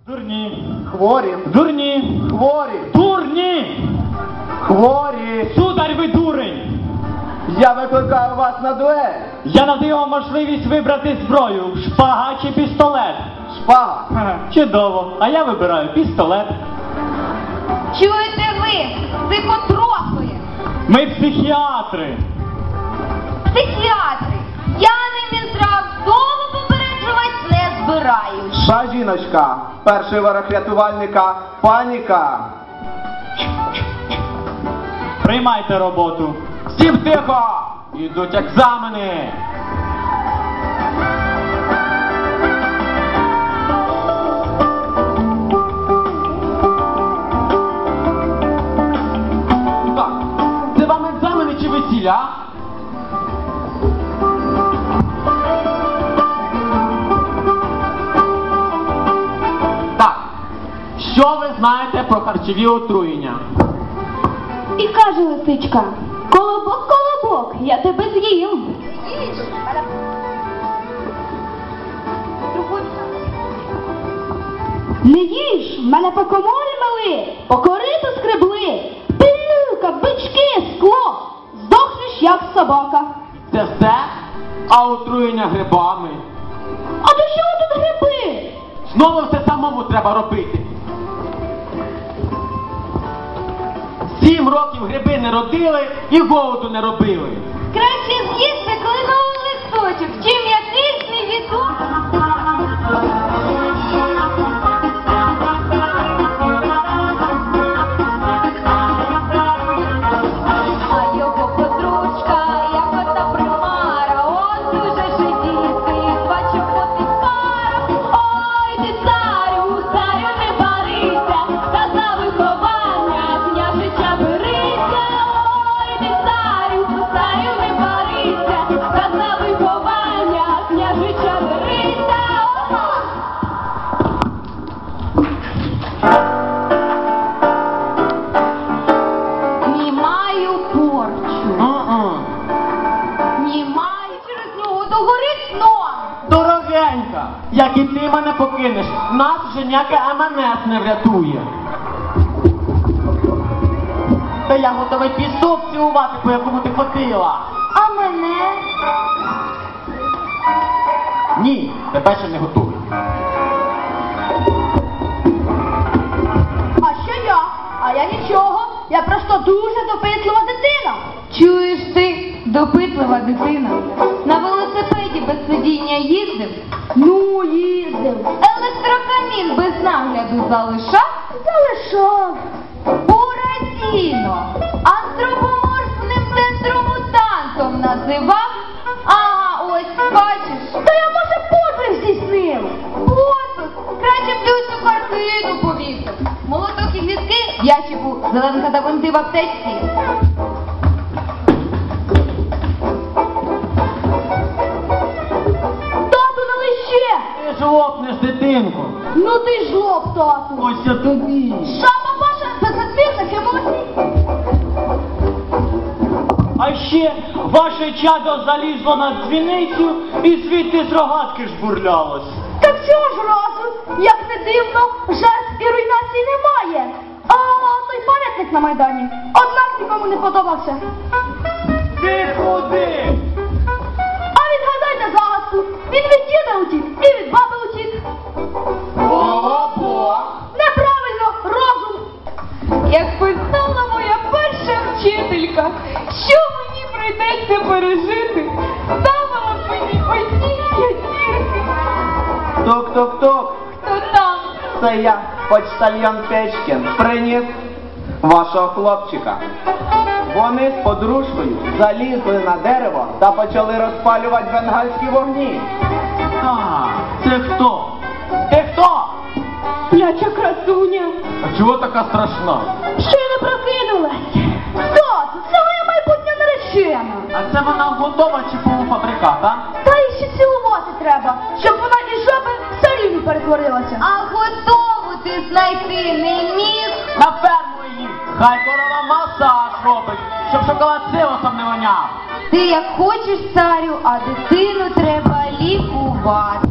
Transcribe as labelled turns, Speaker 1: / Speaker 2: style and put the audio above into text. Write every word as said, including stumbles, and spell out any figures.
Speaker 1: Дурні.
Speaker 2: Хворі.
Speaker 1: Дурні.
Speaker 2: Хворі.
Speaker 1: Дурні.
Speaker 2: Хворі.
Speaker 1: Сударь, ви дурень.
Speaker 2: Я викликаю вас на дуель.
Speaker 1: Я надаю вам можливість вибрати зброю. Шпага чи пістолет.
Speaker 2: Шпага.
Speaker 1: Ха, чудово. А я вибираю пістолет.
Speaker 3: Чуєте ви, психотрофи,
Speaker 1: Ми психіатри.
Speaker 3: психіатри, я не Мінздрав, того попереджувати не збираюсь.
Speaker 2: Та жіночка. Перший ворог рятувальника. Паніка.
Speaker 1: Приймайте роботу.
Speaker 2: Всім тихо! Ідуть екзамени. Так, це вам екзамени чи весілля? Так, що ви знаєте про харчові отруєння?
Speaker 3: І каже лисичка, колобок, колобок, я тебе з'їм. Не їж, мене по коморі мили, по кориту скребли, пилюка, бички, скло, здохнеш, як собака.
Speaker 2: Це все? А отруєння грибами?
Speaker 3: А до чого тут гриби?
Speaker 2: Знову все самому треба робити. Сім років гриби не родили і голоду не робили.
Speaker 3: Краще з'їсти, коли новий листочок, чим якийсь невідомий. А його подружка, як ота примара, от дуже жидіти, бачив поти пара. Ой, ти царю, царю не барися, та за виховання княжича берися. Ой, ти царю, царю не барися, та за виховання княжича берися. Знімаю порчу. Знімаю через нього догорить сон.
Speaker 2: Дорогенька, як і ти мене покинеш, нас вже ніяке ем ен ес не врятує. Та я готовий пісок цілувати, по якому ти ходила.
Speaker 3: А мене?
Speaker 2: Ні, тебе ще не готовий.
Speaker 3: А що я? А я нічого. Я просто дуже допитлива дитина. Чуєш ти, допитлива дитина? На велосипеді без сидіння їздив? Ну, їздив. Електрокамін без нагляду залишав? Залишав. Буратіно. Антропоморфним дендромутантом називав? Ага, ось, бачиш. Та я, може, подвиг здійснив. Подвиг? Краще б ти цю картину повісив. Молоток і гвіздки в ящику, зеленка та бинти в аптечці. Тату, налий ще!
Speaker 2: Ти ж лопнеш, дитинку.
Speaker 3: Ну ти ж лоб, тату.
Speaker 2: Ось я тобі.
Speaker 3: Жаба ваша без активних емоцій.
Speaker 1: А ще ваше чадо залізло на дзвіницю і звідти з рогатки жбурлялось.
Speaker 3: Так цього ж разу, як не дивно, жертв і руйнації немає. А той пам'ятник на Майдані, однак нікому не подобався.
Speaker 1: Ти куди?
Speaker 3: А відгадайте загадку, він від діда утік і від баби утік.
Speaker 2: Ого!
Speaker 3: Неправильно, розум. Як писала моя перша вчителька, що мені прийдеться пережити, ставила б мені одні п'ятірки.
Speaker 2: Тук-тук-тук.
Speaker 3: Хто там?
Speaker 2: Це я, почтальйон Печкін, приніс вашого хлопчика. Вони з подружкою залізли на дерево та почали розпалювати бенгальські вогні.
Speaker 1: А, це хто?
Speaker 2: Ти хто?
Speaker 3: Пляча красуня.
Speaker 2: А чого така страшна?
Speaker 3: Ще не прокинулась. Тату, це моя майбутня наречена.
Speaker 2: А це вона готова чи полуфабрикат, а?
Speaker 3: Та їй ще цілувати треба, щоб вона із жаби в царівну перетворилася. А готову ти знайти не міг?
Speaker 2: На ферму її! Хай корова масаж робить, щоб шоколад силосом не воняв.
Speaker 3: Ти як хочеш, царю, а дитину треба лікувати.